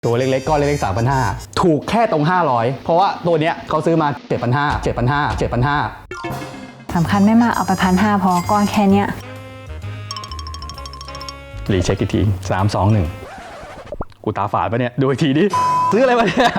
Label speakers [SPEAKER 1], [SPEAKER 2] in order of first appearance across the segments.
[SPEAKER 1] ตัวเล็กๆก้อนเล็กๆ 3,500 ถูกแค่ตรง500เพราะว่าตัวเนี้ยเขาซื้อมา 7,500
[SPEAKER 2] สำคัญไม่มากเอาไป1,500พอก้อนแค่เนี้ย
[SPEAKER 1] รีเช็คอีกที3 2 1กูตาฝาดปะเนี่ยดูอีกทีดิซื้ออะไรมาเนี่ย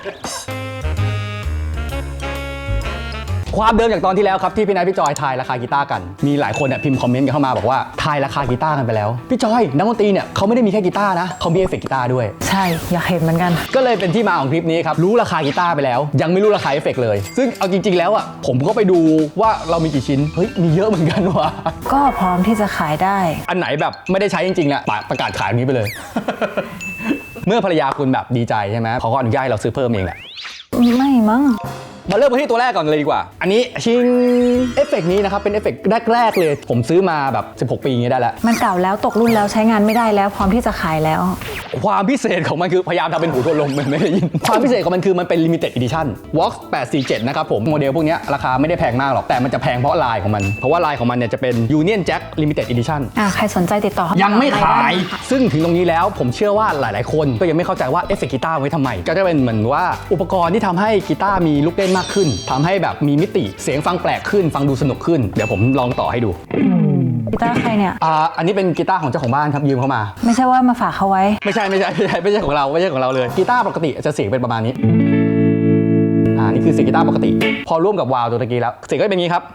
[SPEAKER 1] ความเดิมจากตอนที่แล้วครับที่พี่นายพี่จอยทายราคากีตาร์กันมีหลายคนเนี่ยพิมพ์คอมเมนต์กันเข้ามาบอกว่าทายราคากีตาร์กันไปแล้วพี่จอยนักดนตรีเนี่ยเขาไม่ได้มีแค่กีตาร์นะเขามีเอฟเฟกต์กีตาร์ด้วย
[SPEAKER 2] ใช่อยากเห็นเหมือนกัน
[SPEAKER 1] ก็เลยเป็นที่มาของคลิปนี้ครับรู้ราคากีตาร์ไปแล้วยังไม่รู้ราคาเอฟเฟกต์เลยซึ่งเอาจริงๆแล้วอ่ะผมก็ไปดูว่าเรามีกี่ชิ้นเฮ้ยมีเยอะเหมือนกันว่ะ
[SPEAKER 2] ก็พร้อมที่จะขายได้
[SPEAKER 1] อันไหนแบบไม่ได้ใช้จริงๆอ่ะประกาศขายนี้ไปเลย เมื่อภรรยาคุณแบบดีใจใช่ไหมเขาก็อนุญาตให้เราซื้อเพิ่มเองแหละ
[SPEAKER 2] ไม่มั้ง
[SPEAKER 1] มาเริ่มกันที่ตัวแรกก่อนเลยดีกว่าอันนี้ชิงเอฟเฟกต์นี้นะครับเป็นเอฟเฟกต์แรกๆเลยผมซื้อมาแบบ16 ปีอย่างนี้ได้แล้วมัน
[SPEAKER 2] เก่าแล้วตกรุ่นแล้วใช้งานไม่ได้แล้วพร้อมที่จะขายแล้ว
[SPEAKER 1] ความพิเศษของมันคือพยายามทำเป็นหูทวนลมไม่ได้ยินความพิเศษของมันคือมันเป็น limited edition Vox 847นะครับผมโมเดลพวกนี้ราคาไม่ได้แพงมากหรอกแต่มันจะแพงเพราะลายของมันเพราะว่าลายของมันเนี่ยจะเป็น Union Jack Limited Edition
[SPEAKER 2] ใครสนใจติดต่อ
[SPEAKER 1] ยังไม่ขายซึ่งถึงตรงนี้แล้วผมเชื่อว่าหลายๆคนก็ยังไม่เข้าใจว่าเอฟเฟกต์กีตาร์ไว้ทำไมก็จะเป็นเหมือนว่าอุปกรณ์ที่ทำให้กีตาร์มีลูกเล่นมากขึ้นทำให้แบบมีมิติเสียงฟังแปลกขึ้นฟังดูสนุกขึ้นเดี๋ยวผมลองต่อให้ดู
[SPEAKER 2] กีตาร์ใครเนี่ย
[SPEAKER 1] อันนี้เป็นกีตาร์ของเจ้าของบ้านครับยืมเข้ามา
[SPEAKER 2] ไม่ใช่ว่ามาฝากเขาไว้
[SPEAKER 1] ไม่ใช่ของเราเลยกีตาร์ปกติจะเสียงเป็นประมาณนี้นี่คือเสียงกีตาร์ปกติพอร่วมกับวาวตัวตะกี้แล้วเสียงก็เป็นอย่างนี้ครับ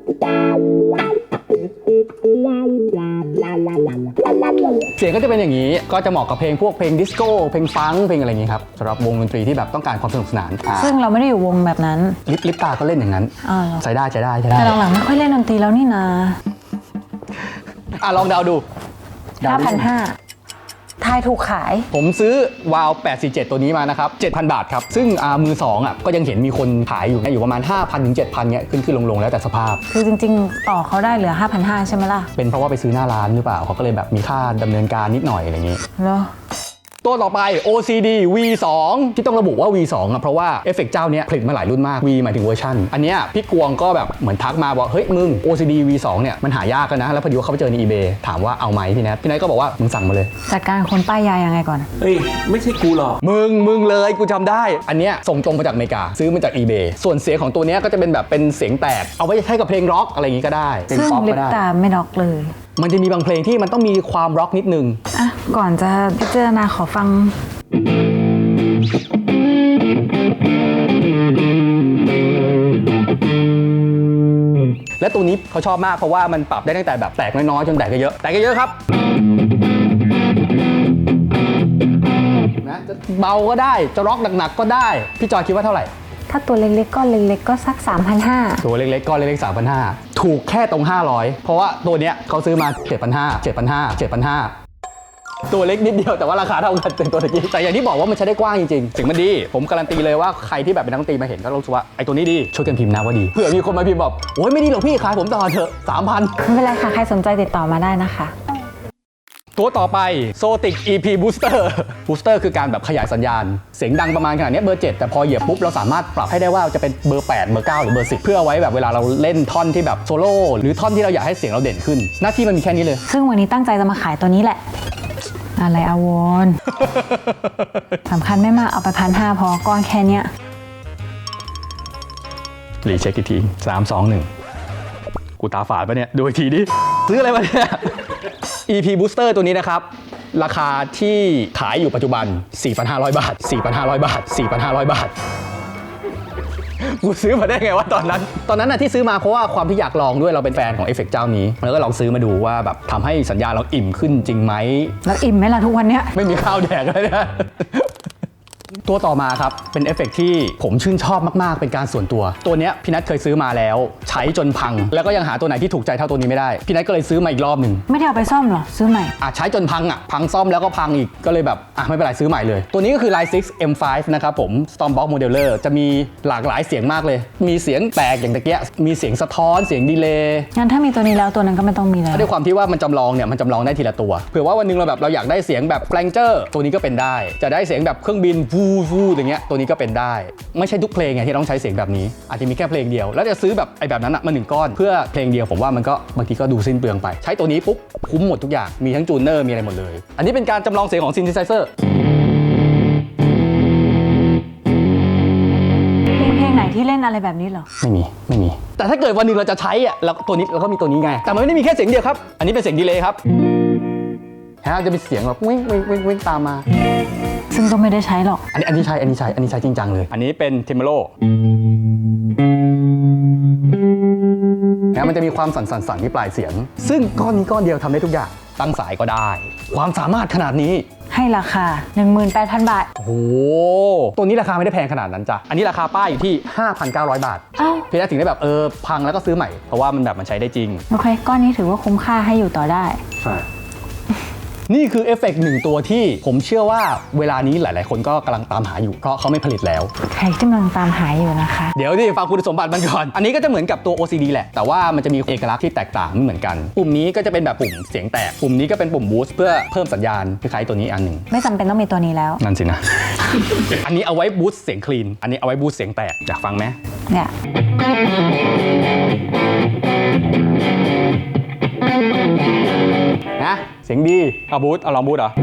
[SPEAKER 1] เสียงก็จะเป็นอย่างนี้ก็จะเหมาะกับเพลงพวกเพลงดิสโก้เพลงฟังเพลงอะไรอย่างนี้ครับสำหรับวงดนตรีที่แบบต้องการความสนุกสนาน
[SPEAKER 2] ซึ่งเราไม่ได้อยู่วงแบบนั้น
[SPEAKER 1] ลิปตาก็เล่นอย่างนั้นใช้ได้
[SPEAKER 2] แต่หลังๆไม่ค่อยเล่นดนตรีแล้วนี่นะ
[SPEAKER 1] ลองเดาดู
[SPEAKER 2] 5,500ทายถูกขาย
[SPEAKER 1] ผมซื้อวาว847ตัวนี้มานะครับ 7,000 บาทครับซึ่งมือ2ก็ยังเห็นมีคนขายอยู่ประมาณ 5,000 ถึง 7,000เงี้ยขึ้นลงแล้วแต่สภาพ
[SPEAKER 2] คือจริงๆต่อเขาได้เหลือ 5,500 ใช่ไหมล่ะ
[SPEAKER 1] เป็นเพราะว่าไปซื้อหน้าร้านหรือเปล่าเขาก็เลยแบบมีค่าดำเนินการนิดหน่อยอะไรอย่างงี้
[SPEAKER 2] เหรอ
[SPEAKER 1] ตัวต่อไป OCD V2 ที่ต้องระบุว่า V2 เพราะว่าเอฟเฟกต์เจ้านี้ผลิตมาหลายรุ่นมาก V หมายถึงเวอร์ชันอันนี้พี่กวงก็แบบเหมือนทักมาบอกเฮ้ยมึง OCD V2 เนี่ยมันหายากกันนะแล้วพอดีว่าเขาไปเจอใน eBay ถามว่าเอาไหมพี่แนทก็บอกว่ามึงสั่งมาเลย
[SPEAKER 2] จัดการคนป้ายยายังไงก่อน
[SPEAKER 3] เฮ้ยไม่ใช่กูหรอก
[SPEAKER 1] มึงเลยกูจำได้อันเนี้ยส่งตรงมาจากอเมริกาซื้อมาจาก eBay ส่วนเสียงของตัวนี้ก็จะเป็นแบบเป็นเสียงแตกเอาไว้ใช้กับเพลงร็อกอะไรอย่างงี้ก็ได้
[SPEAKER 2] ซึ่งลิปตาไม่ร็อกเลย
[SPEAKER 1] มันจะมีบางเพลงที่มันต้องมีความร็อกนิดนึง
[SPEAKER 2] ก่อนจะพิจารณาขอฟัง
[SPEAKER 1] และตัวนี้เขาชอบมากเพราะว่ามันปรับได้ตั้งแต่แบบแตกน้อยๆจนแตกเยอะครับนะจะเบาก็ได้จะร็อกหนักๆก็ได้พี่จอยคิดว่าเท่าไหร่
[SPEAKER 2] ถ้าตัวเล็กๆก้อนเล็กๆก็สัก 3,500
[SPEAKER 1] ตัวเล็กๆก้อนเล็กๆ 3,500 ถูกแค่ตรง500เพราะว่าตัวเนี้ยเขาซื้อมา 7,500 ตัวเล็กนิดเดียวแต่ว่าราคาเท่ากันเป็นตัวตะกี้แต่อย่างที่บอกว่ามันใช้ได้กว้างจริงๆเสียงมันดีผมการันตีเลยว่าใครที่แบบเป็นนักดนตรีมาเห็นก็รู้สึกว่าไอ้ตัวนี้ดีช่วยกันพิมพ์นะว่าดีเผื่อมีคนมาพิมพ์บอกโอ้ยไม่ดีหรอกพี่ขายผมต่อเถอะ 3,000
[SPEAKER 2] ไม่เป็นไรค่ะใครสนใจติดต่อมาได้นะคะ
[SPEAKER 1] ตัวต่อไป Zotic EP Booster คือการแบบขยายสัญญาณเสียงดังประมาณขนาดนี้เบอร์7แต่พอเหยียบปุ๊บเราสามารถปรับให้ได้ว่าจะเป็นเบอร์8เบอร์9หรือเบอร์10เพื่อไว้แบบเวลาเราเล่นท่อนที่แบบโซโล่หรือท่อนที่เราอยากให้เสียงเราเด่นขึ้นหน้าที่มันมีแค่นี้เลย
[SPEAKER 2] ซึ่งวันนี้ตั้งใจจะมาขายตัวนี้แหละอะไรอาวรสำคัญไม่มากเอาไป1,500พอก้อนแค่เนี้ย
[SPEAKER 1] รีเช็คอีกที3 2 1กูตาฝาดปะเนี่ยดูอีกทีดิซื้ออะไรมาเนี่ย EP Booster ตัวนี้นะครับราคาที่ขายอยู่ปัจจุบัน 4,500 บาทกูซื้อมาได้ไงวะตอนนั้นน่ะที่ซื้อมาเพราะว่าความที่อยากลองด้วยเราเป็นแฟนของเอฟเฟกต์เจ้านี้แล้วก็ลองซื้อมาดูว่าแบบทำให้สัญญาเราอิ่มขึ้นจริงไหม
[SPEAKER 2] แล้วอิ่มไหมล่ะทุกวันเนี้ย
[SPEAKER 1] ไม่มีข้าวแดกเลยนะตัวต่อมาครับเป็นเอฟเฟกต์ที่ผมชื่นชอบมากๆเป็นการส่วนตัวเนี้ยพี่นัทเคยซื้อมาแล้วใช้จนพังแล้วก็ยังหาตัวไหนที่ถูกใจเท่าตัวนี้ไม่ได้พี่นัทก็เลยซื้อมาอีกรอบหนึ่ง
[SPEAKER 2] ไม่ได้เอาไปซ่อมหรอซื้อใหม่
[SPEAKER 1] ใช้จนพังซ่อมแล้วก็พังอีกก็เลยแบบไม่เป็นไรซื้อใหม่เลยตัวนี้ก็คือ Line 6 M5 นะครับผม Stormbox Modeler จะมีหลากหลายเสียงมากเลยมีเสียงแตกอย่างตะเกียมีเสียงสะท้อนเสียงดีเลย์
[SPEAKER 2] งั้นถ้ามีตัวนี้แล้วตัวนั้นก็ไม่ต้องมีแล้ว
[SPEAKER 1] ด้วยความที่ว่ามันจำลองได้ทีละตัวเผื่อว่าวันนึงเราอยากได้เสียงแบบ Flanger ตัวนี้ก็เป็นได้จะได้เสียงแบบเครื่องบินฟูอย่างเงี้ยตัวนี้ก็เป็นได้ไม่ใช่ทุกเพลงไงที่ต้องใช้เสียงแบบนี้อาจจะมีแค่เพลงเดียวแล้วจะซื้อแบบแบบนั้นมา1ก้อนเพื่อเพลงเดียวผมว่ามันก็บางทีก็ดูสิ้นเปลืองไปใช้ตัวนี้ปุ๊บคุ้มหมดทุกอย่างมีทั้งจูนเนอร์มีอะไรหมดเลยอันนี้เป็นการจำลองเสียงของซินธิไซเซอร์
[SPEAKER 2] ที่เล่นอะไรแบบนี้เหรอ
[SPEAKER 1] ไม่มี แต่ถ้าเกิดวันหนึ่งเราจะใช้อ่ะแล้วตัวนี้เราก็มีตัวนี้ไง แต่มันไม่ได้มีแค่เสียงเดียวครับ อันนี้เป็นเสียงดีเลย์ครับฮะจะเป็นเสียงแบบวิ่งตามมา
[SPEAKER 2] ซึ่งก็ไม่ได้ใช้หรอก
[SPEAKER 1] อันนี้ใช้จริงจังเลย อันนี้เป็นเทมโลนะมันจะมีความสั่นที่ปลายเสียง ซึ่งก้อนนี้ก้อนเดียวทำได้ทุกอย่าง ตั้งสายก็ได้ ความสามารถขนาดนี้
[SPEAKER 2] ให้ราคา 18,000 บาท
[SPEAKER 1] โอ้โห ตัวนี้ราคาไม่ได้แพงขนาดนั้นจ้ะ อันนี้ราคาป้ายอยู่ที่ 5,900 บาท
[SPEAKER 2] เอ้า
[SPEAKER 1] พี่ได้ถึงได้แบบพังแล้วก็ซื้อใหม่ เพราะว่ามันใช้ได้จริง
[SPEAKER 2] โอเค ก้อนนี้ถือว่าคุ้มค่าให้อยู่ต่อได้
[SPEAKER 1] ใช่ นี่คือเอฟเฟกต์หนึ่งตัวที่ผมเชื่อว่าเวลานี้หลายๆ คนก็กำลังตามหาอยู่ เพราะเขาไม่ผลิตแล้ว
[SPEAKER 2] ใครที่กำลังตามหาอยู่นะคะ
[SPEAKER 1] เดี๋ยวดิฟังคุณสมบัติมันก่อน อันนี้ก็จะเหมือนกับตัว OCD แหละ แต่ว่ามันจะมีเอกลักษณ์ที่แตกต่างไม่เหมือนกัน ปุ่มนี้ก็จะเป็นแบบปุ่มเสียงแตก ปุ่มนี้ก็เป็นปุ่มบูสต์เพื่อเพิ่มสัญญาณคล้ายๆตัวนี้อันหนึ่ง
[SPEAKER 2] ไม่จำเป็นต้องมีตัวนี้แล้ว
[SPEAKER 1] นั่นสินะ อันนี้เอาไว้บูสต์เสียงคลีน อันนี้เอาไว้บูสต์เสียงแตก อยากฟังไหม
[SPEAKER 2] เนี่ย
[SPEAKER 1] นะเสียงดีเอาบูสต์เอาลองบูสต์เหรอ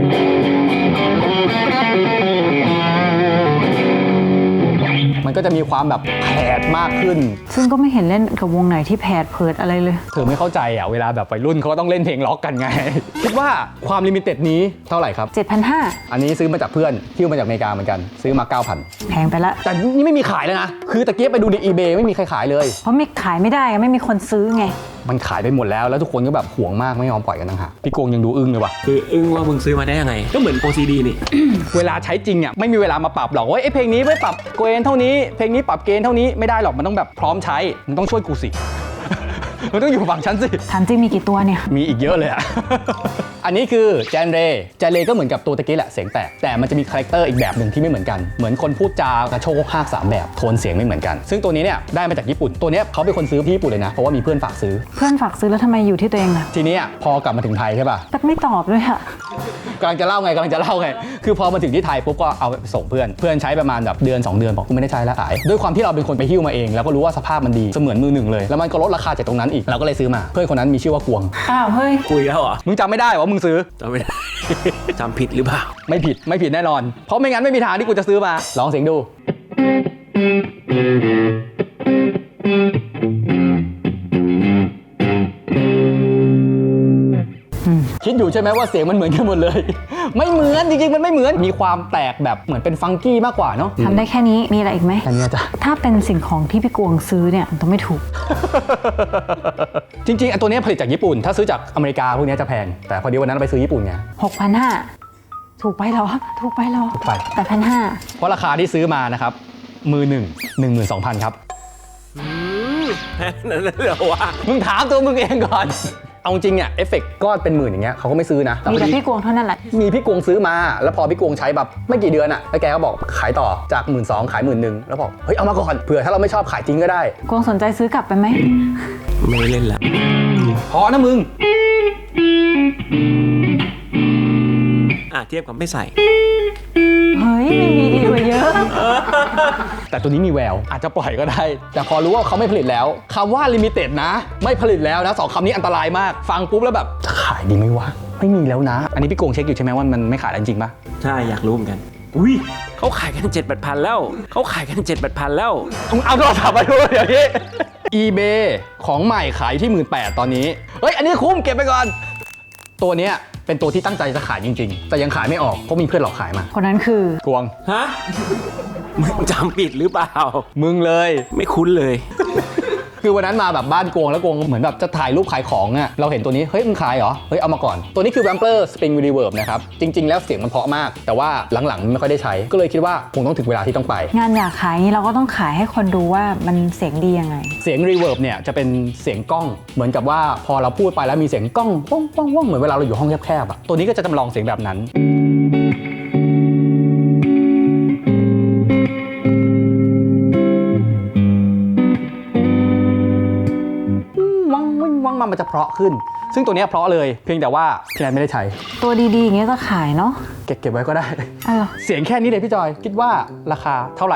[SPEAKER 1] มันก็จะมีความแบบแผดมากขึ้น
[SPEAKER 2] ซึ่งก็ไม่เห็นเล่นกับวงไหนที่แผดเพิดอะไรเลย
[SPEAKER 1] เธอไม่เข้าใจอ่ะเวลาแบบวัยรุ่นเขาก็ต้องเล่นเพลงล็อกกันไง คิดว่าความลิมิเต็ดนี้เท่าไหร่ครับ
[SPEAKER 2] 7,500
[SPEAKER 1] อันนี้ซื้อมาจากเพื่อนฮิ้วมาจากอเมริกาเหมือนกัน ซื้อมา 9,000
[SPEAKER 2] แพงไปละ
[SPEAKER 1] แต่นี่ไม่มีขายเลยนะ คือตะเกียบไปดูใน eBay ไม่มีใครขายเลย
[SPEAKER 2] เพราะไม่ขายไม่ได้ไม่มีคนซื้อไง
[SPEAKER 1] มันขายไปหมดแล้วทุกคนก็แบบห่วงมากไม่ยอมปล่อยกันต่างหากพี่โกงยังดูอึ้งเลยว่ะ
[SPEAKER 3] คืออึ้งว่ามึงซื้อมาได้ยังไง ก็เหมือน OCD นี่
[SPEAKER 1] เวลาใช้จริงอ่ะไม่มีเวลามาปรับหรอกว่าไอ้เพลงนี้ไม่ปรับเกณฑ์เท่านี้เพลงนี้ปรับเกณฑ์เท่านี้ไม่ได้หรอกมันต้องแบบพร้อมใช้มันต้องช่วยกูสิ มันต้องอยู่ฝั่งฉันสิ
[SPEAKER 2] ถามจริงมีกี่ตัวเนี่ย
[SPEAKER 1] มีอีกเยอะเลยอะ อันนี้คือแจนเรก็เหมือนกับตัวตะกี้แหละเสียงแตกแต่มันจะมีคาแรคเตอร์อีกแบบหนึ่งที่ไม่เหมือนกันเหมือนคนพูดจากระโชกหาก3แบบโทนเสียงไม่เหมือนกันซึ่งตัวนี้เนี่ยได้มาจากญี่ปุ่นตัวเนี้ยเขาเป็นคนซื้อที่ญี่ปุ่นเลยนะเพราะว่ามีเพื่อนฝากซื้อ
[SPEAKER 2] เพื่อนฝากซื้อแล้วทำไมอยู่ที่ตัวเองล่ะ
[SPEAKER 1] ทีนี้พอกลับมาถึงไทยใช่ป่ะ
[SPEAKER 2] ตักไม่ตอบด้วยค่ะ
[SPEAKER 1] กำลังจะเล่าไงคือพอมาถึงที่ไทยปุ๊บก็เอาไปส่งเพื่อนใช้ประมาณแบบเดือน2 เดือนบอกกูไม่ได้ใช้แล้วขายด้วยความที่เราเป็นคนไปหิ้วมาเองแล้วก็รู้ว่าสภาพมันดีเสมือนมือหนึ่งเลยแล้วมันก็ลดราคาจากตรงนั้นอีกเราก็เลยซื้อมาเพื่อนคนนั้นมีชื่อว่ากวง
[SPEAKER 2] อ้าวเฮ้ย
[SPEAKER 3] คุยแล้วเหรอ
[SPEAKER 1] มึงจำไม่ได้ว่ามึงซื้อ
[SPEAKER 3] จำไม่ได้ จำผิดหรือเปล่า
[SPEAKER 1] ไม่ผิดแน่นอน เพราะไม่งั้นไม่มีทางที่กูจะซื้อมา ลองเสียงดู คิดอยู่ใช่ไหมว่าเสียงมันเหมือนกันหมดเลย ไม่เหมือนจริงๆมันไม่เหมือนมีความแตกแบบเหมือนเป็นฟังกี้มากกว่าเนาะ
[SPEAKER 2] ทำได้แค่นี้มีอะไรอีกไหม
[SPEAKER 1] แค่นี้จ้ะ
[SPEAKER 2] ถ้าเป็นสิ่งของที่พี่กวงซื้อเนี่ยมันต้องไม่ถูก
[SPEAKER 1] จริงๆอันตัวนี้ผลิตจากญี่ปุ่น ถ้าซื้อจากอเมริกาพวกนี้จะแพงแต่พอดีวันนั้นเราไปซื้อญี่ปุ่นไง
[SPEAKER 2] 6,500 ถูกไปเหรอ ถูกไปเหรอ
[SPEAKER 1] ถูกไป
[SPEAKER 2] 8,500
[SPEAKER 1] เพราะราคาที่ซื้อมานะครับมือหนึ่ง 12,000 ครับ
[SPEAKER 3] นั่นเลยเหรอวะ
[SPEAKER 1] มึงถามตัวมึงเองก่อน เอาจริงเนี่ยเอฟเฟกต์ก้อนเป็นหมื่นอย่างเงี้ยเขาก็ไม่ซื้อนะ
[SPEAKER 2] มีแต่พี่กวงเท่านั้นแหละ
[SPEAKER 1] มีพี่กวงซื้อมาแล้วพอพี่กวงใช้แบบไม่กี่เดือนอะแล้วแกก็บอกขายต่อจาก 12,000 ขาย 11,000แล้วบอกเฮ้ยเอามาก่อนเผื่อถ้าเราไม่ชอบขายทิ้งก็ได้
[SPEAKER 2] กวงสนใจซื้อกลับไปไหม
[SPEAKER 3] ไม่เล่นละ
[SPEAKER 1] พอนะมึง
[SPEAKER 3] เทียบกับไม่ใส่
[SPEAKER 2] เฮ้ยมีดีกว่าเยอะ
[SPEAKER 1] แต่ตัวนี้มีแววอาจจะปล่อยก็ได้ แต่พอรู้ว่าเขาไม่ผลิตแล้วคำว่าลิมิเต็ดนะไม่ผลิตแล้วนะ2 คำนี้อันตรายมากฟังปุ๊บแล้วแบบจะขายดีไหมวะไม่มีแล้วนะ อันนี้พี่โกงเช็คอยู่ใช่ไหมว่ามันไม่ขายแล้วจริงปะ
[SPEAKER 3] ใช่อยากรู้เหมือนกัน อุ้ยเขาขายกัน 7-8 พันแล้ว เขาขายกัน 7-8 พันแล้ว
[SPEAKER 1] เอาโทรศัพท์มาดูเดี๋ยวนี้ eBay ของใหม่ขายที่ 18,000 ตอนนี้เฮ้ยอันนี้คุ้มเก็บไปก่อนตัวเนี้ยเป็นตัวที่ตั้งใจจะขายจริงๆแต่ยังขายไม่ออกเพราะมีเพื่อนหลอกขายมา
[SPEAKER 2] คนนั้นคือก
[SPEAKER 1] วง
[SPEAKER 3] ฮะ มึงจำผิดหรือเปล่า
[SPEAKER 1] มึงเลย
[SPEAKER 3] ไม่คุ้นเลย
[SPEAKER 1] คือวันนั้นมาแบบบ้านกวงแล้วกวงเหมือนแบบจะถ่ายรูปขายของอ่ะเราเห็นตัวนี้เฮ้ยมึงขายเหรอเฮ้ยเอามาก่อนตัวนี้คือ Wampler Spring Reverb นะครับจริงๆแล้วเสียงมันเพราะมากแต่ว่าหลังๆไม่ค่อยได้ใช้ก็เลยคิดว่าคงต้องถึงเวลาที่ต้องไป
[SPEAKER 2] งานอยากขายนี้เราก็ต้องขายให้คนดูว่ามันเสียงดียังไง
[SPEAKER 1] เสียง Reverb เนี่ยจะเป็นเสียงกล้องเหมือนกับว่าพอเราพูดไปแล้วมีเสียงกล้องป้องป้องป้องเหมือนเวลาเราอยู่ห้องแคบๆอ่ะตัวนี้ก็จะจำลองเสียงแบบนั้นมันจะเพราะขึ้นซึ่งตัวนี้เพราะเลยเพียงแต่ว่าพี่แนนไม่ได้ใช้
[SPEAKER 2] ตัวดีๆอย่างเงี้ยก็ขายเนาะ
[SPEAKER 1] เก็บไว้ก็ได้
[SPEAKER 2] อ้าว
[SPEAKER 1] เสียงแค่นี้เลยพี่จอยคิดว่าราคาเท่าไหร่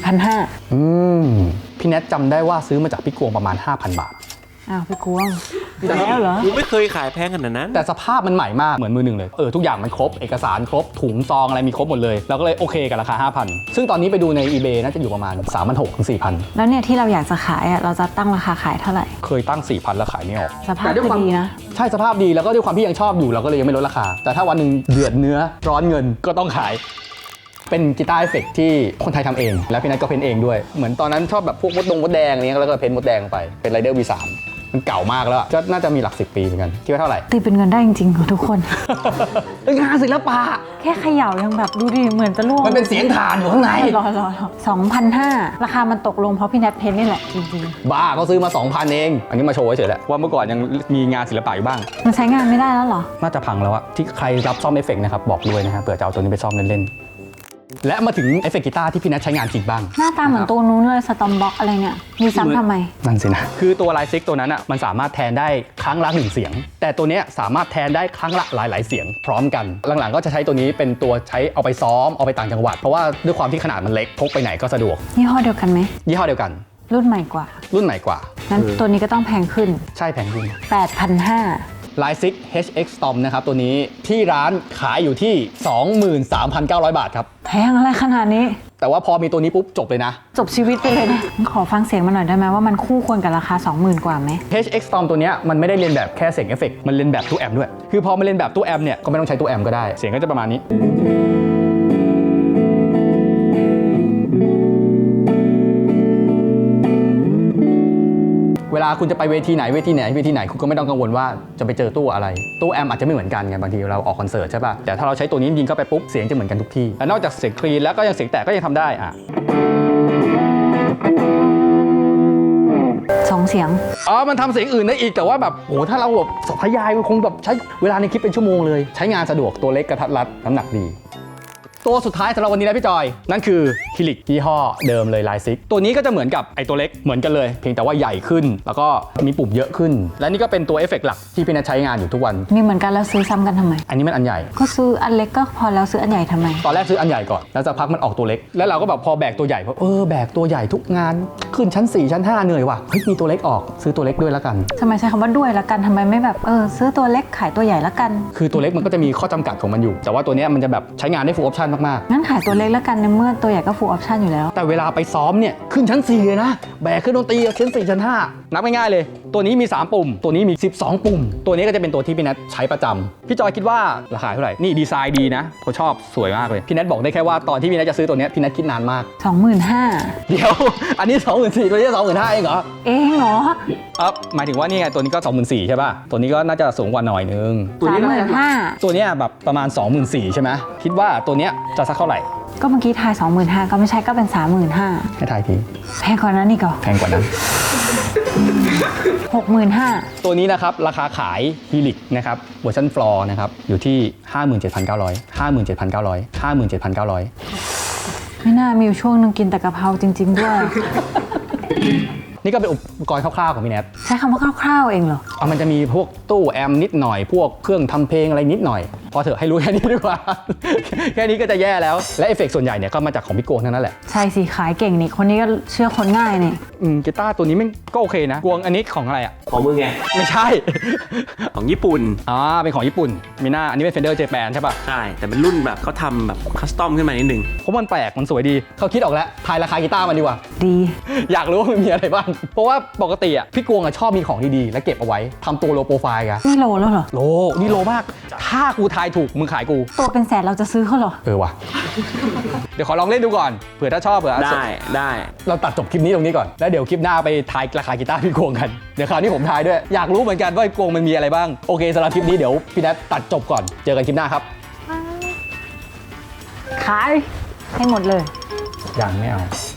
[SPEAKER 2] 4,500
[SPEAKER 1] พี่แนทจำได้ว่าซื้อมาจากพี่กวงประมาณ 5,000 บาท
[SPEAKER 2] อ้าวพี่กวงแล้วเหรอ
[SPEAKER 3] กูไม่เคยขายแพงขนาดนั้น
[SPEAKER 1] แต่สภาพมันใหม่มากเหมือนมือหนึ่งเลยทุกอย่างมันครบเอกสารครบถุงซองอะไรมีครบหมดเลยเราก็เลยโอเคกับราคา 5,000 ซึ่งตอนนี้ไปดูใน eBay น่าจะอยู่ประมาณ 3,600 ถึง 4,000
[SPEAKER 2] แล้วเนี่ยที่เราอยากจะขายอ่ะเราจะตั้งราคาขายเท่าไหร่
[SPEAKER 1] เคยตั้ง 4,000 แล้วขายไม่ออก
[SPEAKER 2] สภาพคือดีนะ
[SPEAKER 1] ใช่สภาพดีแล้วก็ด้วยความที่ยังชอบอยู่เราก็เลยยังไม่ลดราคา แต่ถ้าวันหนึ่งเดือดเนื้อร้อนเงินก็ต้องขาย เป็นกีตาร์เอฟเฟกต์ที่คนไทยทำเอง แล้วพี่นัทก็เพ้นเองด้วยเหมือนตอนนั้นชอบแบบพวกมดแดงอะไรเงี้ยแล้วก็เพ้นมดแดงไปเป็นไรเดอร์ V3 มันเก่ามากแล้วอะก็น่าจะมีหลัก10 ปีเหมือนกันคิดว่าเท่าไหร่
[SPEAKER 2] ตีเป็นเงินได้จริงๆของทุกคน
[SPEAKER 1] งานศิลปะ
[SPEAKER 2] แค่เขย่ายังแบบดูดิเหมือนจะล่วง
[SPEAKER 1] มันเป็นเสียงฐานอยู่ข้างใน
[SPEAKER 2] รอ2,500ราคามันตกลงเพราะพี่แนทเพ้นนี่แหละจริง
[SPEAKER 1] บ้าเขาซื้อมา 2,000 เอง อันนี้มาโชว์เฉยๆแหละว่าเมื่อก่อนยังมีงานศิลปะอยู่บ้าง
[SPEAKER 2] ๆมันใช้งานไม่ได้แล้วเหรอ
[SPEAKER 1] น่าจะพังแล้วอะที่ใครรับซ่อมเอฟเฟกต์นะครับบอกด้วยนะฮะเผื่อจะเอาตัวนี้ไปซ่อมเล่นๆและมาถึงเอฟเฟกต์กีตาร์ที่พี่นัทใช้งานจริงบ้าง
[SPEAKER 2] หน้าตาเหมือนตัวนู้นเลยสตอมบ็อกอะไรเนี่ยมีซ้ำทำไม
[SPEAKER 1] นั่นสินะคือตัวไลซิกตัวนั้นอ่ะมันสามารถแทนได้ครั้งละ1 เสียง แต่ตัวเนี้ยสามารถแทนได้ครั้งละหลายๆเสียงพร้อมกันหลังๆก็จะใช้ตัวนี้เป็นตัวใช้เอาไปซ้อมเอาไปต่างจังหวัดเพราะว่าด้วยความที่ขนาดมันเล็กพกไปไหนก็สะดวก
[SPEAKER 2] ยี่ห้อเดียวกันไหม
[SPEAKER 1] ยี่ห้อเดียวกัน
[SPEAKER 2] รุ่นใหม่กว่า
[SPEAKER 1] รุ่นใหม่กว่า
[SPEAKER 2] นั้นตัวนี้ก็ต้องแพงขึ้น
[SPEAKER 1] ใช่แพงขึ้น
[SPEAKER 2] 8,500
[SPEAKER 1] ไลซิก HX Storm นะครับตัวนี้ที่ร้านขายอยู่ที่ 23,900 บาทครับ
[SPEAKER 2] แพงอะไรขนาดนี้
[SPEAKER 1] แต่ว่าพอมีตัวนี้ปุ๊บจบเลยนะ
[SPEAKER 2] จบชีวิตไปเลยนะขอฟังเสียงมาหน่อยได้ไหมว่ามันคู่ควรกับราคา 20,000 กว่าไหม
[SPEAKER 1] HX Storm ตัวเนี้ยมันไม่ได้เรียนแบบแค่เสียงเอฟเฟกต์มันเรียนแบบตู้แอมป์ด้วยคือพอมันเรียนแบบตู้แอมป์เนี่ยก็ไม่ต้องใช้ตู้แอมป์ก็ได้เสียงก็จะประมาณนี้เวลาคุณจะไปเวทีไหนคุณก็ไม่ต้องกังวลว่าจะไปเจอตู้อะไรตู้แอมป์อาจจะไม่เหมือนกันไงบางทีเราออกคอนเสิร์ตใช่ป่ะแต่ถ้าเราใช้ตัวนี้ยิงเข้าไปปุ๊บเสียงจะเหมือนกันทุกที่และนอกจากเสียงคลีนแล้วก็ยังเสียงแตกก็ยังทำได้อ่ะ
[SPEAKER 2] 2 เสียง
[SPEAKER 1] มันทำเสียงอื่นได้อีกแต่ว่าแบบโหถ้าเราแบบทยายมันคงแบบใช้เวลาในคลิปเป็นชั่วโมงเลยใช้งานสะดวกตัวเล็กกระทัดรัดน้ำหนักดีตัวสุดท้ายสำหรับวันนี้นะพี่จอยนั่นคือฮิลิกยี่ห้อเดิมเลยไลซิกตัวนี้ก็จะเหมือนกับไอตัวเล็กเหมือนกันเลยเพียงแต่ว่าใหญ่ขึ้นแล้วก็มีปุ่มเยอะขึ้นและนี่ก็เป็นตัวเอฟเฟกต์หลักที่พี่นัทใช้งานอยู่ทุกวัน
[SPEAKER 2] มีเหมือนกันแล้วซื้อซ้ำกันทำไม
[SPEAKER 1] อันนี้มันอันใหญ่
[SPEAKER 2] ก็ซื้ออันเล็กก็พอแล้วซื้ออันใหญ่ทำไม
[SPEAKER 1] ตอนแรกซื้ออันใหญ่ก่อนแล้วสักพักมันออกตัวเล็กแล้วเราก็แบบพอแบกตัวใหญ่แบกตัวใหญ่ทุกงานขึ้นชั้น 4 ชั้น 5เหนื่อยว่ะเฮ้ยมีตัวเล็กออกซื้อตัวเล็กด้วยแล้วกัน
[SPEAKER 2] ทำไมใช้คำว่าด้วยละกันทำไมไม่แบบซื้อตัวเล็กขายตัวใหญ่ละกัน
[SPEAKER 1] คือตัวเล็กมันก็จะมีข้อจำกัดของมันอยู่แต่ว่าตัวเนี้ยมันจะแบบใช้งานได้ full option มากๆ
[SPEAKER 2] งั้นขายตัวเล็กละกันในเมื่อตัวใหญ่ก็ full option อยู่แล้ว
[SPEAKER 1] แต่เวลาไปซ้อมเนี่ยขึ้นชั้น 4 เลยนะแบกขึ้นดนตรีชั้น 4 ชั้น 5 นับง่ายๆเลย ตัวนี้มี 3 ปุ่ม ตัวนี้มี 12 ปุ่ม ตัวนี้ก็จะเป็นตัวที่พี่นัทใช้ประจำพี่จอยคิดว่าราคาเท่าไหร่นี่ดีไซน์ดีนะผมชอบสวยมากเลยพี่นัทบอกได้แค่ว่าตอนที่พี่นัทจะซื้อตัวเนี้ยพี่นัทคิดนานมาก
[SPEAKER 2] 25,000
[SPEAKER 1] เดี๋ยว อันนี้ 24,000ตัวนี้ 25,000เองเหรอ
[SPEAKER 2] เองเหรอ
[SPEAKER 1] หมายถึงว่านี่ไงตัวนี้ก็ 24,000ใช่ป่ะตัวนี้ก็น่าจะสูงกว่าหน่อยนึงตัวนี้
[SPEAKER 2] 35,000
[SPEAKER 1] ตัวเนี้ยแบบประมาณ 24,000ใช่ไหมคิดว่าตัวเนี้ยจะสักเท่าไหร่
[SPEAKER 2] ก็เมื่อกี้ทาย 25,000 ก็ไม่ใช่ก็เป็น 35,000
[SPEAKER 1] ให้ทายที
[SPEAKER 2] แพงกว่านั้นอีกเหรอ
[SPEAKER 1] แพงกว่านั้น
[SPEAKER 2] 65,000
[SPEAKER 1] ตัวนี้นะครับราคาขายฮีลิกนะครับเวอร์ชันฟลอร์นะครับอยู่ที่ 57,900
[SPEAKER 2] ไม่น่ามีอยู่ช่วงนึงกินแต่กะเพราจริง ๆ ด้วย
[SPEAKER 1] นี่ก็เป็นอุปกรณ์คร่าวๆของพี่แนท
[SPEAKER 2] ใช้คำว่าคร่าวๆเองเหรอ
[SPEAKER 1] มันจะมีพวกตู้แอมป์นิดหน่อยพวกเครื่องทำเพลงอะไรนิดหน่อยพอเถอะให้รู้แค่นี้ดีกว่า แค่นี้ก็จะแย่แล้วและเอฟเฟกต์ส่วนใหญ่เนี่ยก็มาจากของพี่โกงทั้งนั้นแหละ
[SPEAKER 2] ใช่สิขายเก่งนี่คนนี้ก็เชื่อคนง่ายนี่
[SPEAKER 1] กีตาร์ตัวนี้มันก็โอเคนะกวงอันนี้ของอะไรอ่ะ
[SPEAKER 3] ของมึงไง
[SPEAKER 1] ไม่ใช่
[SPEAKER 3] ของญี่ปุ่น
[SPEAKER 1] เป็นของญี่ปุ่นมีหน้าอันนี้เป็น Fender Japan ใช่ปะ
[SPEAKER 3] ใช่ แต่เป็นรุ่นแบบเขาทำแบบคัสตอมขึ้นมานิดนึง
[SPEAKER 1] เพราะมันแปลกมันสวยดีเขาคิดออกแล้วทายราคากีตาร์มันดีกว่า
[SPEAKER 2] ดี
[SPEAKER 1] อยากรู้ว่ามันมีอะไรบ้างเพราะว่าปกติอ่ะพี่กวงอ่ะชอบมีของดีๆแล้วเก็บเอาไว้ทำตัวโลโปรไฟล์กัน
[SPEAKER 2] นี่โลแล้วเหรอ
[SPEAKER 1] โลนี่โลมากถ้ากูทายถูกมึงขายกู
[SPEAKER 2] ตัวเป็นแสนเราจะซื้อเขาเหรอ
[SPEAKER 1] ว่ะ เดี๋ยวขอลองเล่นดูก่อนเผื่อถ้าชอบเผื่อ
[SPEAKER 3] ได้
[SPEAKER 1] เราตัดจบคลิปนี้ตรงนี้ก่อนแล้วเดี๋ยวคลิปหน้าไปทายราคากีตาร์พี่กวงกันเดี๋ยวคราวนี้ผมทายด้วยอยากรู้เหมือนกันว่าพี่กวงมันมีอะไรบ้างโอเคสำหรับคลิปนี้เดี๋ยวพี่นัทตัดจบก่อนเจอกันคลิปหน้าครับ
[SPEAKER 2] ขายให้หมดเลย
[SPEAKER 1] ยังไม่เอา